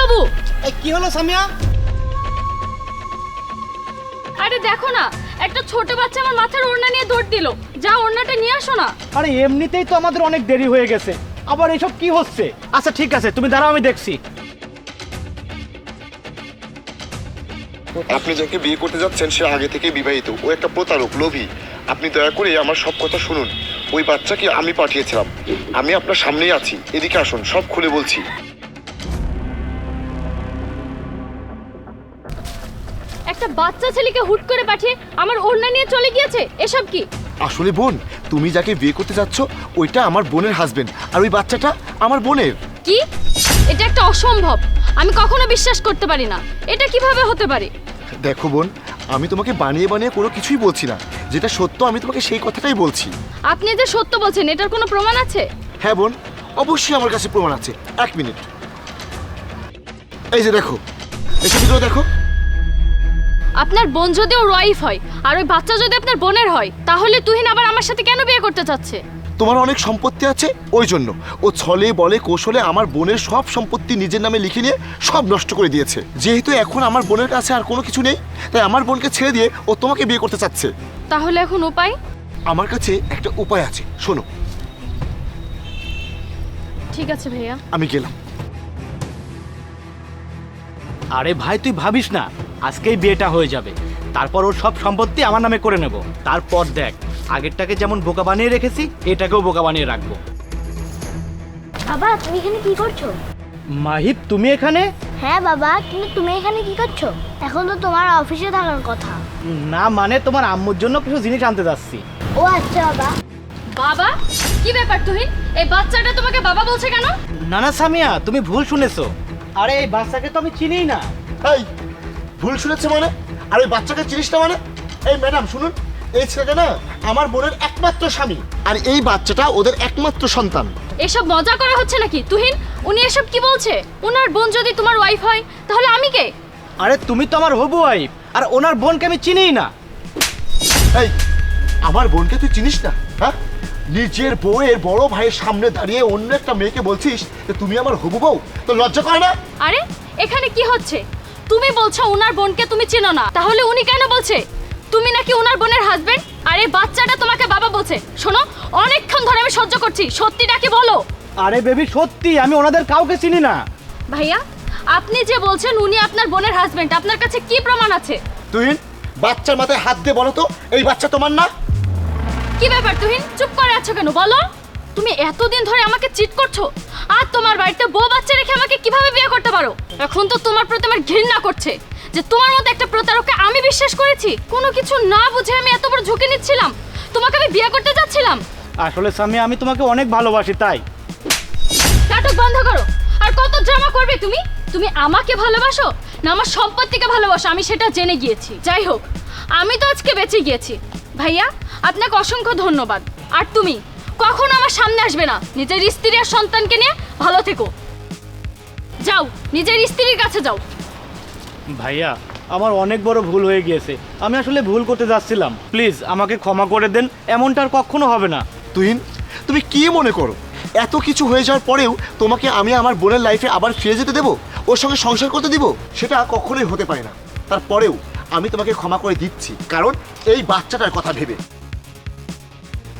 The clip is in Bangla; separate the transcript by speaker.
Speaker 1: বাবু।
Speaker 2: কি হলো সামিয়া?
Speaker 1: আরে দেখো না, একটা ছোট বাচ্চা আমার মাথার ওড়না নিয়ে দৌড় দিল। যা ওড়নাটা নিয়ে আসো না।
Speaker 2: আরে এমনিতেই তো আমাদের অনেক দেরি হয়ে গেছে, আবার এসব কি হচ্ছে? আচ্ছা ঠিক আছে, তুমি দাঁড়াও, আমি দেখছি।
Speaker 3: আপনি যাকে বিয়ে করতে যাচ্ছেন সে আগে থেকে বিবাহিত, ও একটা প্রতারক, লোভী। আপনি দয়া করে আমার সব কথা শুনুন। ওই বাচ্চাকে আমি পাঠিয়েছিলাম। আমি আপনার সামনেই আছি, এদিকে আসুন, সব খুলে বলছি।
Speaker 1: একটা বাচ্চা ছেলেকে হুট করে পাঠিয়ে আমার ওড়না নিয়ে চলে গিয়েছে, এসব কি?
Speaker 3: আসলে বোন, তুমি যাকে বিয়ে করতে যাচ্ছ ওইটা আমার বোনের হাজবেন্ড, আর ওই বাচ্চাটা আমার বোনের।
Speaker 1: কি? এটা একটা অসম্ভব, আমি কখনো বিশ্বাস করতে পারি না। এটা কিভাবে হতে পারে?
Speaker 3: দেখো বোন, আমি তোমাকে বানিয়ে বানিয়ে কোনো কিছুই বলছি না, যেটা সত্য আমি তোমাকে সেই কথাটাই বলছি।
Speaker 1: আপনি যে সত্য বলছেন, এটার কোনো প্রমাণ আছে?
Speaker 3: হ্যাঁ বোন, অবশ্যই আমার কাছে প্রমাণ আছে। এক মিনিট, এই যে দেখো, এই ছবিগুলো দেখো।
Speaker 1: আপনার বোন যদি ওর ওয়াইফ হয় আর ওই বাচ্চা যদি আপনার বোনের হয়, তাহলে তুহিন আবার আমার সাথে কেন বিয়ে করতে চাচ্ছে?
Speaker 3: তোমার অনেক সম্পত্তি আছে, ওই জন্য ও ছলে বলে কৌশলে আমার বোনের সব সম্পত্তি নিজের নামে লিখে নিয়ে সব নষ্ট করে দিয়েছে। যেহেতু এখন আমার বোনের কাছে আর কোনো কিছু নেই, তাই আমার বোনকে ছেড়ে দিয়ে ও তোমাকে বিয়ে করতে চাচ্ছে।
Speaker 1: তাহলে এখন উপায়?
Speaker 3: আমার কাছে একটা উপায় আছে, শোনো।
Speaker 1: ঠিক আছে ভাইয়া,
Speaker 3: আমি গেলাম।
Speaker 2: আরে ভাই তুই ভাবিস না, আজকেই বিয়েটা হয়ে যাবে, তারপর ওর সব সম্পত্তি আমার নামে করে নেব। তারপর দেখ, আগেরটাকে যেমন বোকা বানিয়ে রেখেছি, এটাকেও বোকা বানিয়ে রাখবো।
Speaker 4: বাবা, তুমি এখানে কি করছো?
Speaker 2: মাহিব, তুমি এখানে?
Speaker 4: হ্যাঁ বাবা, কিন্তু তুমি এখানে কি করছো? এখন তো তোমার অফিসে থাকার কথা।
Speaker 2: না মানে তোমার আম্মুর জন্য কিছু জিনিস আনতে যাচ্ছি।
Speaker 4: ও আচ্ছা বাবা।
Speaker 1: বাবা? কি ব্যাপার তুহিন, এই বাচ্চাটা তোমাকে বাবা বলছে কেন?
Speaker 2: না না সামিয়া, তুমি ভুল শুনেছো। আরে এই বাচ্চাকে তো আমি চিনিই না।
Speaker 3: এই ভুল শুনেছে মানে? আর ওই বাচ্চাকে চিনিস না মানে? এই ম্যাডাম শুনুন, এই ছেলেটা না আমার বোনের একমাত্র স্বামী, আর এই বাচ্চাটা ওদের একমাত্র সন্তান।
Speaker 1: এসব মজা করা হচ্ছে নাকি তুহিন? উনি এসব কি বলছে? ওনার বোন যদি তোমার ওয়াইফ হয়, তাহলে আমি কে?
Speaker 2: আরে তুমি তো আমার হবু ওয়াইফ, আর ওনার বোনকে আমি চিনিই না।
Speaker 3: এই আমার বোনকে তুই চিনিস না? হ্যাঁ, নিজের বউয়ের বড় ভাইয়ের সামনে দাঁড়িয়ে অন্য একটা মেয়েকে বলছিস যে তুমি আমার হবু বউ, তো লজ্জা করে না?
Speaker 1: আরে এখানে কি হচ্ছে? তুমি বলছো ওনার বোনকে তুমি চেনো না, তাহলে উনি কেন বলছে তুমি নাকি ওনার বোনের হাজবেন্ড? আর এই বাচ্চাটা তোমাকে বাবা বলছে। শোনো, অনেকক্ষণ ধরে আমি সহ্য করছি, সত্যিটা কি বলো।
Speaker 2: আরে বেবি সত্যি, আমি ওনাদের কাউকে চিনি না।
Speaker 1: ভাইয়া, আপনি যে বলছেন উনি আপনার বোনের হাজবেন্ড, আপনার কাছে কি প্রমাণ আছে?
Speaker 3: তুই বাচ্চার মাথায় হাত দিয়ে বলো তো, এই বাচ্চা তোমার না?
Speaker 1: কি ব্যাপার তুহিন, চুপ করে আছো কেন? বলো, তুমি এতদিন ধরে আমাকে চিট করছো, আর তোমার বাড়িতে বউ বাচ্চা রেখে আমাকে কিভাবে বিয়ে করতে পারো? এখন তো তোমার প্রতি আমার ঘৃণা করছে যে তোমার মতো একটা প্রতারককে আমি বিশ্বাস করেছি। কোনো কিছু না বুঝে আমি এত বড় ঝুঁকি নিচ্ছিলাম, তোমাকে আমি বিয়ে করতে যাচ্ছিলাম।
Speaker 2: আসলে সামিয়া, আমি তোমাকে অনেক ভালোবাসি, তাই।
Speaker 1: নাটক বন্ধ করো। আর কত ড্রামা করবে তুমি? তুমি আমাকে ভালোবাসো না আমার সম্পত্তিকে ভালোবাসো, আমি সেটা জেনে গিয়েছি। যাই হোক, আমি তো আজকে বেঁচে গিয়েছি। ভাইয়া, আপনাকে অসংখ্য ধন্যবাদ। আর তুমি কখনো আমার সামনে আসবে না। নিজের স্ত্রী আর সন্তানকে নিয়ে ভালো থেকো। যাও, নিজের স্ত্রীর কাছে যাও।
Speaker 2: ভাইয়া, আমার অনেক বড় ভুল হয়ে গিয়েছে, আমি আসলে ভুল করতে যাচ্ছিলাম। প্লিজ আমাকে ক্ষমা করে দেন, এমনটা আর কখনো হবে না।
Speaker 3: তুহিন, তুমি কি মনে করো এত কিছু হয়ে যাওয়ার পরেও তোমাকে আমি আমার বোনের লাইফে আবার ফিরে যেতে দেবো, ওর সঙ্গে সংসার করতে দিব? সেটা কখনোই হতে পারে না। তারপরেও আমি তোমাকে ক্ষমা করে দিচ্ছি, কারণ এই বাচ্চাটার কথা ভেবে।